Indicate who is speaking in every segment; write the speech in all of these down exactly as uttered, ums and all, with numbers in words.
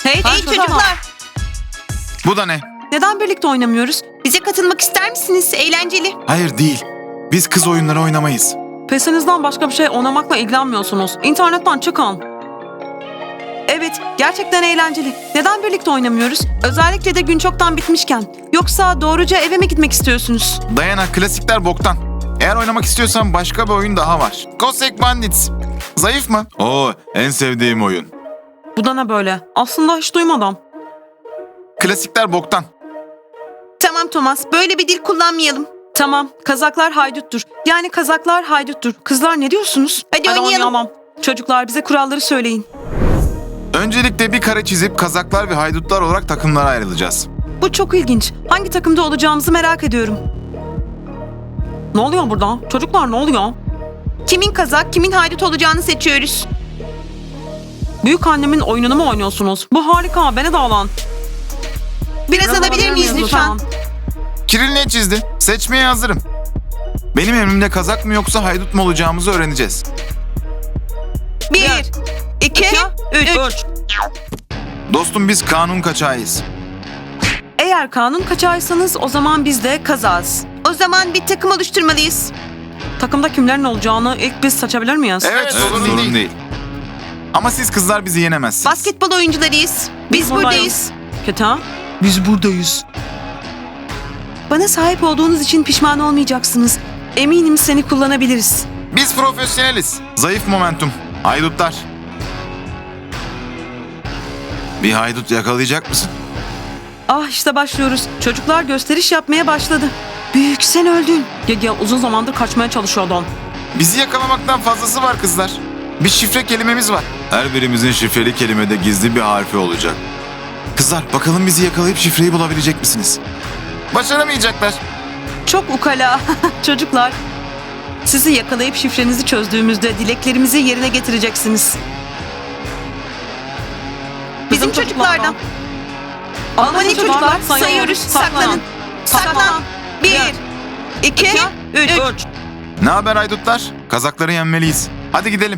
Speaker 1: Hey,
Speaker 2: Hey çocuklar,
Speaker 3: Bu da ne?
Speaker 1: neden birlikte oynamıyoruz?
Speaker 2: bize katılmak ister misiniz? Eğlenceli.
Speaker 3: Hayır değil. Biz kız oyunları oynamayız.
Speaker 1: Pesinizden başka bir şey oynamakla ilgilenmiyorsunuz. İnternetten çıkın. Evet, gerçekten eğlenceli. Neden birlikte oynamıyoruz? Özellikle de gün çoktan bitmişken. Yoksa doğruca eve mi gitmek istiyorsunuz?
Speaker 3: Dayana, klasikler boktan. Eğer oynamak istiyorsan başka bir oyun daha var. Cossack Bandits. Zayıf mı? Oo, en sevdiğim oyun.
Speaker 1: Bu da ne böyle? Aslında hiç duymadım.
Speaker 3: Klasikler boktan.
Speaker 2: Tamam Thomas, böyle bir dil kullanmayalım.
Speaker 1: Tamam, kazaklar hayduttur. Yani kazaklar hayduttur. Kızlar ne diyorsunuz?
Speaker 2: Hadi oynayalım.
Speaker 1: Çocuklar bize kuralları söyleyin.
Speaker 3: Öncelikle bir kare çizip kazaklar ve haydutlar olarak takımlara ayrılacağız.
Speaker 1: Bu çok ilginç. Hangi takımda olacağımızı merak ediyorum. Ne oluyor burada? Çocuklar ne oluyor?
Speaker 2: Kimin kazak, kimin haydut olacağını seçiyoruz.
Speaker 1: Büyük annemin oyununu mu oynuyorsunuz? Bu harika, beni de alın.
Speaker 2: Biraz alabilir miyiz lütfen?
Speaker 3: Kiril ne çizdi? Seçmeye hazırım. Benim emrimde kazak mı yoksa haydut mu olacağımızı öğreneceğiz.
Speaker 2: Bir, iki, üç.
Speaker 3: Dostum, biz kanun kaçağıyız.
Speaker 1: Eğer kanun kaçağıysanız o zaman biz de kazağız.
Speaker 2: O zaman bir takım oluşturmalıyız.
Speaker 1: Takımda kimlerin olacağını ilk biz seçebilir miyiz?
Speaker 3: Evet, sorun, değil. Ama siz kızlar bizi yenemezsiniz.
Speaker 2: Basketbol oyuncularıyız. Biz buradayız.
Speaker 1: Keta,
Speaker 4: Biz buradayız.
Speaker 1: bana sahip olduğunuz için pişman olmayacaksınız. Eminim seni kullanabiliriz.
Speaker 3: Biz profesyoneliz. Zayıf momentum. Haydutlar. Bir haydut yakalayacak mısın?
Speaker 1: Ah işte başlıyoruz. Çocuklar gösteriş yapmaya başladı. Büyük sen öldün. Ya, ya uzun zamandır kaçmaya çalışıyordun.
Speaker 3: Bizi yakalamaktan fazlası var kızlar. Bir şifre kelimemiz var. Her birimizin şifreli kelimede gizli bir harfi olacak. Kızlar, bakalım bizi yakalayıp şifreyi bulabilecek misiniz? Başaramayacaklar.
Speaker 1: Çok ukala. Çocuklar. Sizi yakalayıp şifrenizi çözdüğümüzde dileklerimizi yerine getireceksiniz.
Speaker 2: Bizim çocuklardan.
Speaker 1: Hadi
Speaker 2: çocuklar, sayıyoruz. Saklanın. Saklan. Bir, iki, üç.
Speaker 3: Ne haber haydutlar? Kazakları yenmeliyiz. Hadi gidelim.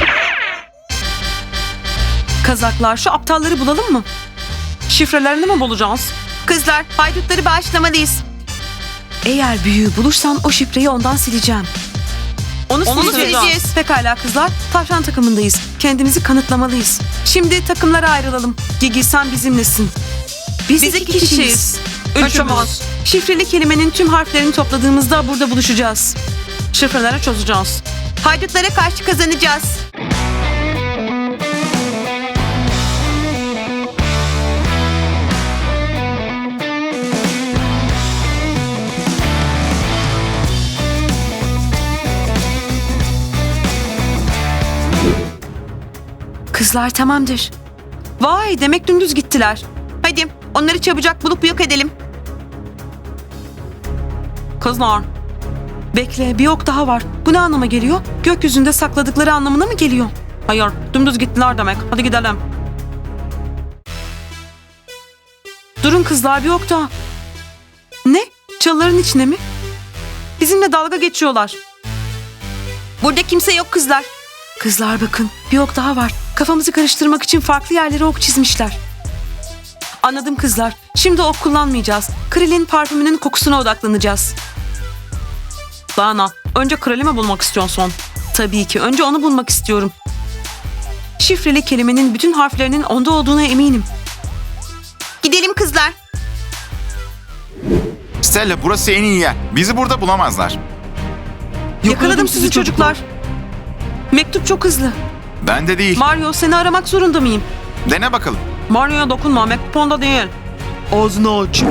Speaker 1: Kazaklar, şu aptalları bulalım mı? Şifrelerini mi bulacağız?
Speaker 2: Kızlar, haydutları bağışlamalıyız.
Speaker 1: Eğer büyüğü bulursam o şifreyi ondan sileceğim. Onu,
Speaker 2: Onu
Speaker 1: sileceğiz.
Speaker 2: sileceğiz.
Speaker 1: Pekala kızlar, tavşan takımındayız. Kendimizi kanıtlamalıyız. Şimdi takımlara ayrılalım. Gigi, sen bizimlesin. Biz,
Speaker 2: Biz iki kişiyiz.
Speaker 1: Üçümüz. Şifreli kelimenin tüm harflerini topladığımızda burada buluşacağız. Şifreleri çözeceğiz.
Speaker 2: Haydutlara karşı kazanacağız.
Speaker 1: Kızlar tamamdır. Vay, demek dümdüz gittiler.
Speaker 2: Hadi onları çabucak bulup yok edelim.
Speaker 1: Kızlar. Bekle, bir ok daha var. Bu ne anlama geliyor? Gökyüzünde sakladıkları anlamına mı geliyor? Hayır, dümdüz gittiler demek. Hadi gidelim. Durun kızlar, bir ok daha. Ne? Çalıların içine mi? Bizimle dalga geçiyorlar.
Speaker 2: Burada kimse yok kızlar.
Speaker 1: Kızlar bakın, bir ok daha var. Kafamızı karıştırmak için farklı yerlere ok çizmişler. Anladım kızlar. Şimdi ok kullanmayacağız. Krilin parfümünün kokusuna odaklanacağız. Dana, önce Kral'i mi bulmak istiyorsun? Tabii ki, önce onu bulmak istiyorum. Şifreli kelimenin bütün harflerinin onda olduğuna eminim.
Speaker 2: Gidelim kızlar.
Speaker 3: Stella, burası en iyi yer. Bizi burada bulamazlar.
Speaker 1: Yakaladım sizi çocuklar. Mektup çok hızlı.
Speaker 3: Ben de değil.
Speaker 1: Mario, seni aramak zorunda mıyım?
Speaker 3: Dene bakalım.
Speaker 1: Mario'ya dokunma, mektup onda değil.
Speaker 4: Ağzını aç.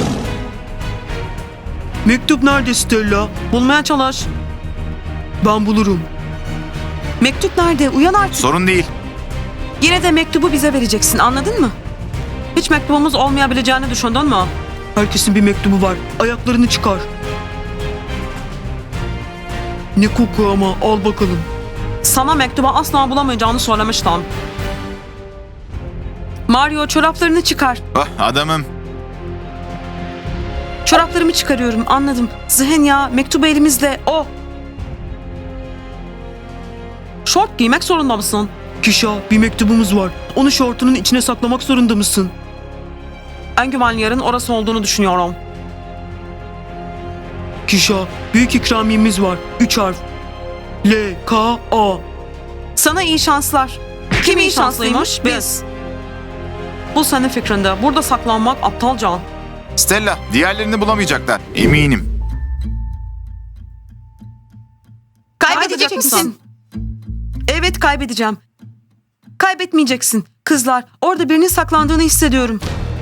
Speaker 4: Mektup nerede Stella?
Speaker 1: Bulmaya çalış.
Speaker 4: Ben bulurum.
Speaker 1: Mektup nerede? Uyan artık.
Speaker 3: Sorun değil.
Speaker 1: Yine de mektubu bize vereceksin, anladın mı? Hiç mektubumuz olmayabileceğini düşündün mü?
Speaker 4: Herkesin bir mektubu var. Ayaklarını çıkar. Ne koku ama, al bakalım.
Speaker 1: Sana mektubu asla bulamayacağını söylemiştim. Mario, çoraplarını çıkar.
Speaker 3: Ah, adamım.
Speaker 1: Çoraplarımı çıkarıyorum, anladım. Zihenya, mektubu elimizde, o. Şort giymek zorunda mısın?
Speaker 4: Kişa, bir mektubumuz var. Onu şortunun içine saklamak zorunda mısın?
Speaker 1: En güvenli yerin orası olduğunu düşünüyorum.
Speaker 4: Kişa, büyük ikramiyemiz var. Üç harf. L, K, A.
Speaker 1: Sana iyi şanslar. Kim iyi şanslıymış? Biz. Bu senin fikrinde. Burada saklanmak aptalca.
Speaker 3: Stella, diğerlerini bulamayacaklar. Eminim.
Speaker 2: Kaybedecek misin?
Speaker 1: Evet, kaybedeceğim. Kaybetmeyeceksin. Kızlar, orada birinin saklandığını hissediyorum.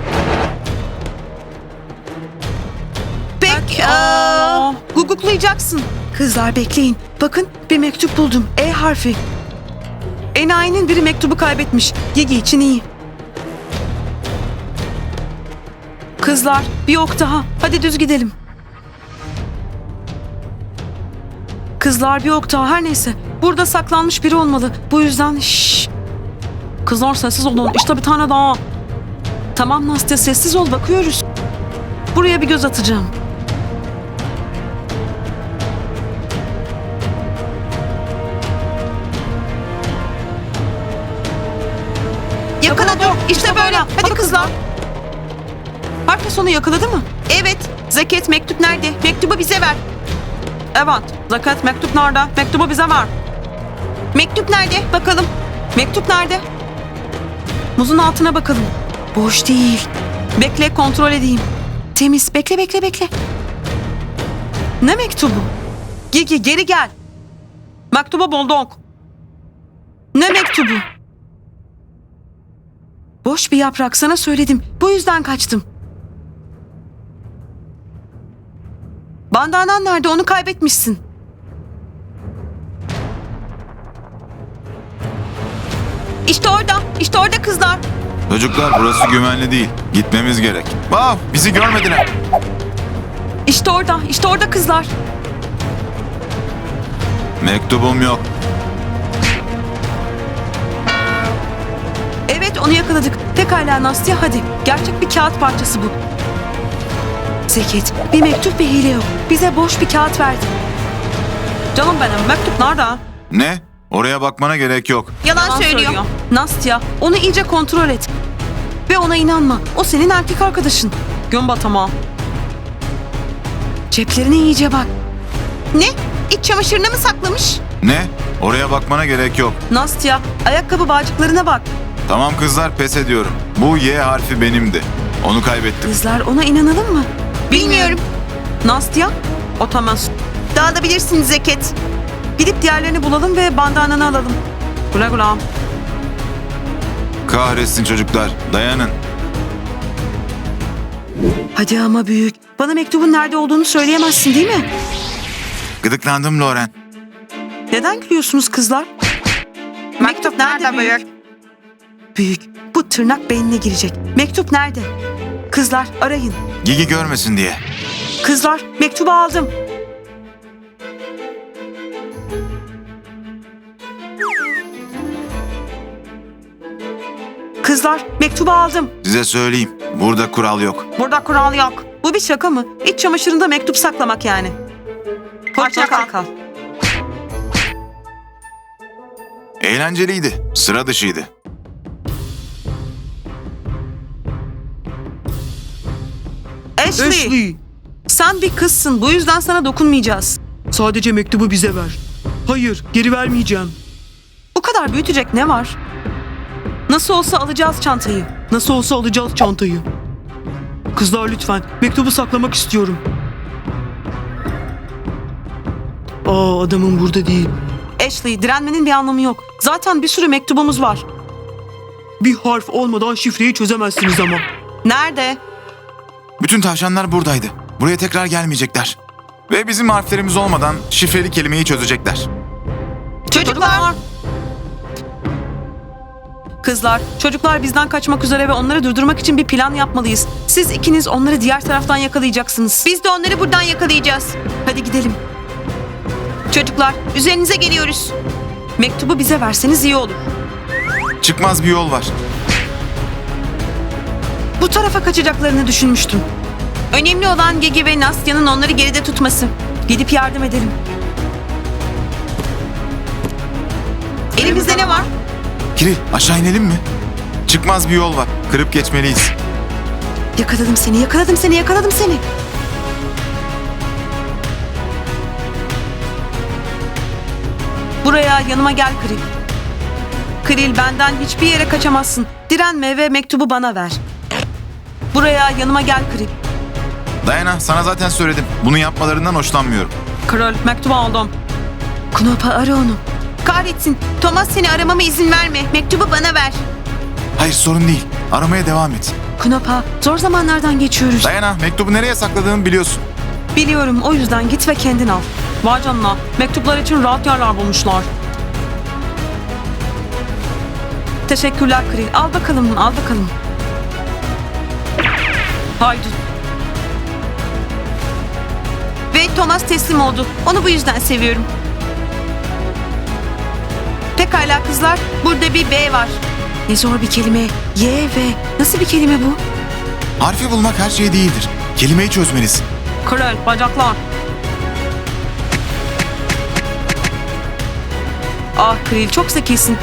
Speaker 2: Pek
Speaker 1: Aa,
Speaker 2: aa, guguklayacaksın.
Speaker 1: Kızlar bekleyin. Bakın, bir mektup buldum. E harfi. Enayi'nin biri mektubu kaybetmiş. Gigi için iyi. Kızlar, bir ok daha. Hadi düz gidelim. Kızlar, bir ok daha. Her neyse. Burada saklanmış biri olmalı. Bu yüzden şşş. Kızlar sessiz olun. İşte bir tane daha. Tamam Nastya, sessiz ol, bakıyoruz. Buraya bir göz atacağım.
Speaker 2: Yakala dur. İşte böyle. Hadi kızlar.
Speaker 1: Herkes onu yakaladı mı?
Speaker 2: Evet. Zeket mektup nerede? Mektubu bize ver.
Speaker 1: Evet. Zakat, mektup nerede? Mektubu bize ver.
Speaker 2: Mektup nerede? Bakalım.
Speaker 1: Mektup nerede? Muzun altına bakalım. Boş değil. Bekle, kontrol edeyim. Temiz. Bekle, bekle, bekle. Ne mektubu? Gigi, geri gel. Mektubu bulduk. Ne mektubu? Boş bir yaprak, sana söyledim. Bu yüzden kaçtım. Bandanan nerede? Onu kaybetmişsin.
Speaker 2: İşte orada. İşte orada kızlar.
Speaker 3: Çocuklar, burası güvenli değil. Gitmemiz gerek. Wow, bizi görmediler.
Speaker 1: İşte orada, işte orada kızlar.
Speaker 3: Mektubum yok.
Speaker 1: Evet, onu yakaladık. Pekala Nastya, hadi. Gerçek bir kağıt parçası bu. Zeket, bir mektup ve hile yok. Bize boş bir kağıt verdi. Canım benim, mektup nerede?
Speaker 3: Ne? Oraya bakmana gerek yok.
Speaker 2: Yalan,
Speaker 1: Yalan
Speaker 2: söylüyor.
Speaker 1: Nastya, onu iyice kontrol et. Ve ona inanma. O senin erkek arkadaşın. Gün batama. Ceplerine iyice bak.
Speaker 2: Ne? İç çamaşırına mı saklamış?
Speaker 3: Ne? Oraya bakmana gerek yok.
Speaker 1: Nastya, ayakkabı bağcıklarına bak.
Speaker 3: Tamam kızlar, pes ediyorum. Bu Y harfi benimdi. Onu kaybettim.
Speaker 1: Kızlar, ona inanalım mı?
Speaker 2: Bilmiyorum.
Speaker 1: Nastya, otamaz.
Speaker 2: Dağılabilirsin Zeket.
Speaker 1: Gidip diğerlerini bulalım ve bandananı alalım. Güle güle.
Speaker 3: Kahretsin çocuklar. Dayanın.
Speaker 1: Hadi ama büyük. Bana mektubun nerede olduğunu söyleyemezsin değil mi?
Speaker 3: Gıdıklandım Loren.
Speaker 1: Neden gülüyorsunuz kızlar?
Speaker 2: Mektup nerede büyük?
Speaker 1: Büyük. Bu tırnak beynine girecek. Mektup nerede? Kızlar arayın.
Speaker 3: Gigi görmesin diye.
Speaker 1: Kızlar mektubu aldım. Kızlar mektubu aldım.
Speaker 3: Size söyleyeyim. Burada kural yok.
Speaker 1: Burada kural yok. Bu bir şaka mı? İç çamaşırında mektup saklamak yani. Hoşça kal.
Speaker 3: Eğlenceliydi. Sıra dışıydı.
Speaker 1: Ashley,
Speaker 4: Ashley,
Speaker 1: sen bir kızsın. Bu yüzden sana dokunmayacağız.
Speaker 4: sadece mektubu bize ver. Hayır, geri vermeyeceğim.
Speaker 1: Bu kadar büyütecek ne var? Nasıl olsa alacağız çantayı.
Speaker 4: Nasıl olsa alacağız çantayı. Kızlar lütfen, mektubu saklamak istiyorum. Aa, adamın burada değil.
Speaker 1: Ashley, direnmenin bir anlamı yok. Zaten bir sürü mektubumuz var.
Speaker 4: Bir harf olmadan şifreyi çözemezsiniz ama.
Speaker 1: Nerede?
Speaker 3: Bütün tavşanlar buradaydı. Buraya tekrar gelmeyecekler. Ve bizim harflerimiz olmadan şifreli kelimeyi çözecekler.
Speaker 2: Çocuklar.
Speaker 1: Kızlar, çocuklar bizden kaçmak üzere ve onları durdurmak için bir plan yapmalıyız. Siz ikiniz onları diğer taraftan yakalayacaksınız.
Speaker 2: Biz de onları buradan yakalayacağız.
Speaker 1: Hadi gidelim.
Speaker 2: Çocuklar üzerinize geliyoruz.
Speaker 1: Mektubu bize verseniz iyi olur.
Speaker 3: Çıkmaz bir yol var.
Speaker 1: Bu tarafa kaçacaklarını düşünmüştüm.
Speaker 2: Önemli olan Gigi ve Nastya'nın onları geride tutması.
Speaker 1: Gidip yardım edelim.
Speaker 2: Elimizde ne var?
Speaker 3: Kiril aşağı inelim mi? Çıkmaz bir yol var. Kırıp geçmeliyiz.
Speaker 1: Yakaladım seni, yakaladım seni, yakaladım seni. Buraya yanıma gel Kril. Kril, benden hiçbir yere kaçamazsın. Direnme ve mektubu bana ver. Buraya yanıma gel Kril.
Speaker 3: Dayana sana zaten söyledim. Bunu yapmalarından hoşlanmıyorum.
Speaker 1: Kril, mektubu aldım. Knopa, ara onu.
Speaker 2: Kahretsin. Thomas, seni aramama izin verme. Mektubu bana ver.
Speaker 3: Hayır sorun değil. Aramaya devam et.
Speaker 1: Knopa, zor zamanlardan geçiyoruz.
Speaker 3: Dayana mektubu nereye sakladığımı biliyorsun.
Speaker 1: Biliyorum, o yüzden git ve kendin al. Vay canına, mektuplar için rahat yerler bulmuşlar. Teşekkürler Kril. Al bakalım, al bakalım. Haydi.
Speaker 2: Ve Thomas teslim oldu. Onu bu yüzden seviyorum. Pekala kızlar. Burada bir B var.
Speaker 1: Ne zor bir kelime. Y ve nasıl bir kelime bu?
Speaker 3: Harfi bulmak her şey değildir. Kelimeyi çözmelisin.
Speaker 1: Kril, bacaklar. Ah Kril, çok zekisin.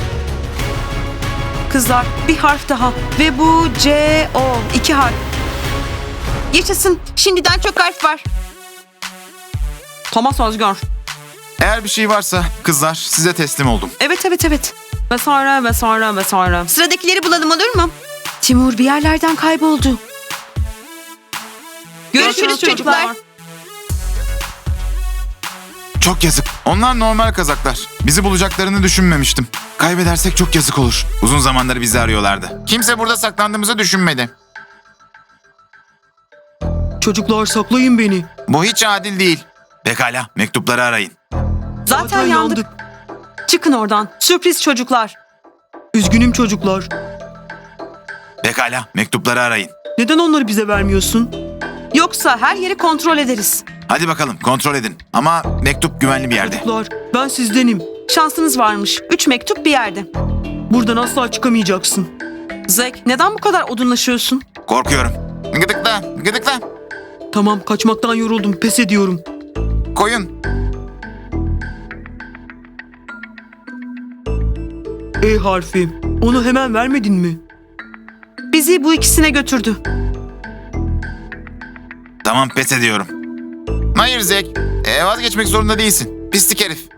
Speaker 1: Kızlar, bir harf daha. Ve bu C O. iki harf.
Speaker 2: Yaşasın. Şimdiden çok harf var.
Speaker 1: Thomas Özgür.
Speaker 3: Eğer bir şey varsa kızlar size teslim oldum.
Speaker 1: Evet, evet, evet. Vesaire, vesaire, vesaire.
Speaker 2: Sıradakileri bulalım, olur mu?
Speaker 1: Timur bir yerlerden kayboldu.
Speaker 2: Görüşürüz çocuklar.
Speaker 3: Çok yazık. Onlar normal kazaklar. Bizi bulacaklarını düşünmemiştim. Kaybedersek çok yazık olur. Uzun zamandır bizi arıyorlardı. Kimse burada saklandığımızı düşünmedi.
Speaker 4: Çocuklar saklayın beni.
Speaker 3: Bu hiç adil değil. Pekala, mektupları arayın.
Speaker 1: Zaten, yandık. Çıkın oradan. Sürpriz çocuklar.
Speaker 4: Üzgünüm çocuklar.
Speaker 3: Pekala, mektupları arayın.
Speaker 4: Neden onları bize vermiyorsun?
Speaker 1: Yoksa her yeri kontrol ederiz.
Speaker 3: Hadi bakalım, kontrol edin. Ama mektup güvenli bir yerde.
Speaker 4: Çocuklar, ben sizdenim.
Speaker 1: Şansınız varmış. Üç mektup bir yerde.
Speaker 4: Buradan asla çıkamayacaksın.
Speaker 1: Zek, neden bu kadar odunlaşıyorsun?
Speaker 3: Korkuyorum. Gıdıkla, gıdıkla.
Speaker 4: Tamam, kaçmaktan yoruldum. Pes ediyorum.
Speaker 3: Koyun.
Speaker 4: E harfi. Onu hemen vermedin mi?
Speaker 1: Bizi bu ikisine götürdü.
Speaker 3: Tamam, pes ediyorum. Hayır Zek. E, vazgeçmek zorunda değilsin. Pislik herif.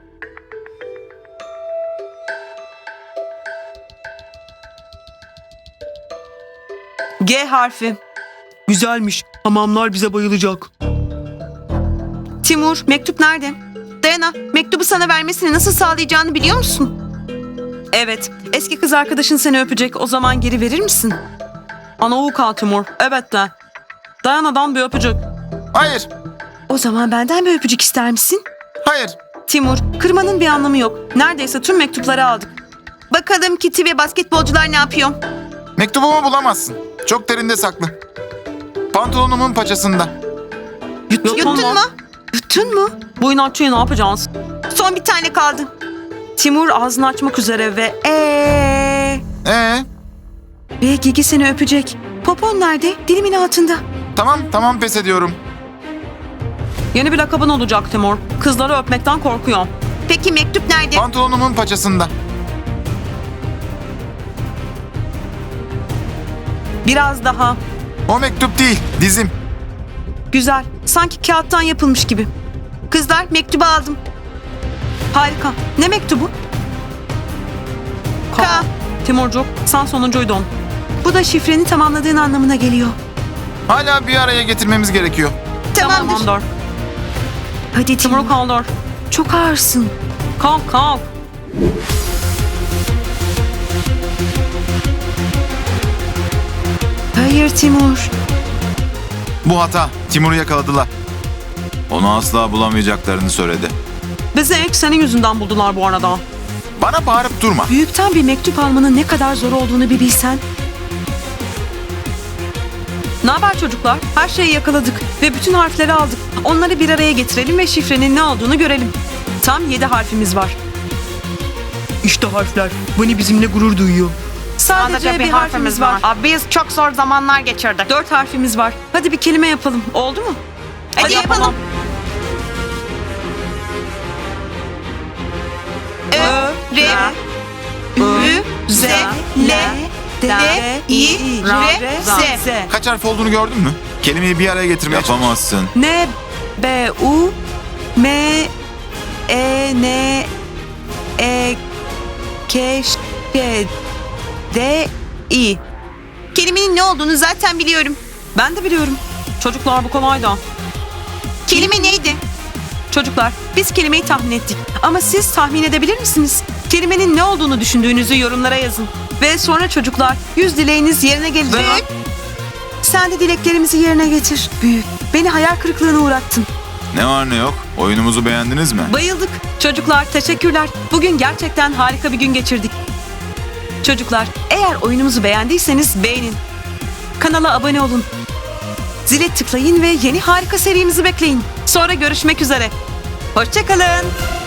Speaker 1: G harfi.
Speaker 4: Güzelmiş. Hamamlar bize bayılacak.
Speaker 1: Timur, mektup nerede?
Speaker 2: Dayana, mektubu sana vermesini nasıl sağlayacağını biliyor musun?
Speaker 1: Evet, eski kız arkadaşın seni öpecek. O zaman geri verir misin? Ana kal Timur. Evet de. Dayana'dan bir öpücük.
Speaker 3: Hayır,
Speaker 1: O zaman benden bir öpücük ister misin?
Speaker 3: hayır.
Speaker 1: Timur, kırmanın bir anlamı yok. Neredeyse tüm mektupları aldık.
Speaker 2: Bakalım Kitty ve basketbolcular ne yapıyor?
Speaker 3: Mektubumu bulamazsın. Çok derinde saklı. Pantolonumun paçasında.
Speaker 1: Yuttun,
Speaker 2: Yuttun mu?
Speaker 1: Yuttun mu? Bu inatçıyı ne yapacağız?
Speaker 2: Son bir tane kaldı.
Speaker 1: Timur ağzını açmak üzere ve eee
Speaker 3: Ee,
Speaker 1: ve Gigi seni öpecek. Popon nerede? Dilimin altında.
Speaker 3: tamam, tamam pes ediyorum.
Speaker 1: Yeni bir lakabın olacak Timur. Kızları öpmekten korkuyorum.
Speaker 2: Peki mektup nerede?
Speaker 3: Pantolonumun paçasında.
Speaker 1: Biraz daha.
Speaker 3: O mektup değil, dizim.
Speaker 1: Güzel. Sanki kağıttan yapılmış gibi.
Speaker 2: Kızlar, mektubu aldım.
Speaker 1: Harika. Ne mektubu?
Speaker 2: K.
Speaker 1: Timurcuk, sen sonuncuydun. Bu da şifreni tamamladığın anlamına geliyor.
Speaker 3: Hala bir araya getirmemiz gerekiyor.
Speaker 2: Tamamdır.
Speaker 1: Tamamdır.
Speaker 2: Hadi Timur.
Speaker 1: Timur kaldır.
Speaker 2: Çok ağırsın.
Speaker 1: Kalk kalk.
Speaker 2: Hayır Timur.
Speaker 3: Bu hata. Timur'u yakaladılar. Onu asla bulamayacaklarını söyledi.
Speaker 1: Bizi ilk senin yüzünden buldular bu arada.
Speaker 3: Bana bağırıp durma.
Speaker 1: Büyükten bir mektup almanın ne kadar zor olduğunu bir bilsen. Ne haber çocuklar? Her şeyi yakaladık ve bütün harfleri aldık. Onları bir araya getirelim ve şifrenin ne olduğunu görelim. Tam yedi harfimiz var.
Speaker 4: İşte harfler. Bunny bizimle gurur duyuyor.
Speaker 1: Sadece, bir harfimiz var.
Speaker 2: Biz çok zor zamanlar geçirdik.
Speaker 1: Dört harfimiz var. Hadi bir kelime yapalım. Oldu mu?
Speaker 2: Hadi yapalım. Ö, R, Ü, L, D, I, R, Z.
Speaker 3: Kaç harf olduğunu gördün mü? Kelimeyi bir araya getirmeye yapamazsın.
Speaker 1: N, B, U, M, E, N, E, K, Ş, D, I.
Speaker 2: Kelimenin ne olduğunu zaten biliyorum.
Speaker 1: Ben de biliyorum. Çocuklar bu kolaydı.
Speaker 2: Kelime neydi?
Speaker 1: Çocuklar, biz kelimeyi tahmin ettik. Ama siz tahmin edebilir misiniz? Kelimenin ne olduğunu düşündüğünüzü yorumlara yazın. Ve sonra çocuklar, yüz dileğiniz yerine gelecek.
Speaker 2: Büyük.
Speaker 1: Sen de dileklerimizi yerine getir. Büyük. Beni hayal kırıklığına uğrattın.
Speaker 3: Ne var ne yok? Oyunumuzu beğendiniz mi?
Speaker 1: Bayıldık. Çocuklar, teşekkürler. Bugün gerçekten harika bir gün geçirdik. Çocuklar, eğer oyunumuzu beğendiyseniz beğenin. Kanala abone olun. Zile tıklayın ve yeni harika serimizi bekleyin. Sonra görüşmek üzere. Hoşça kalın.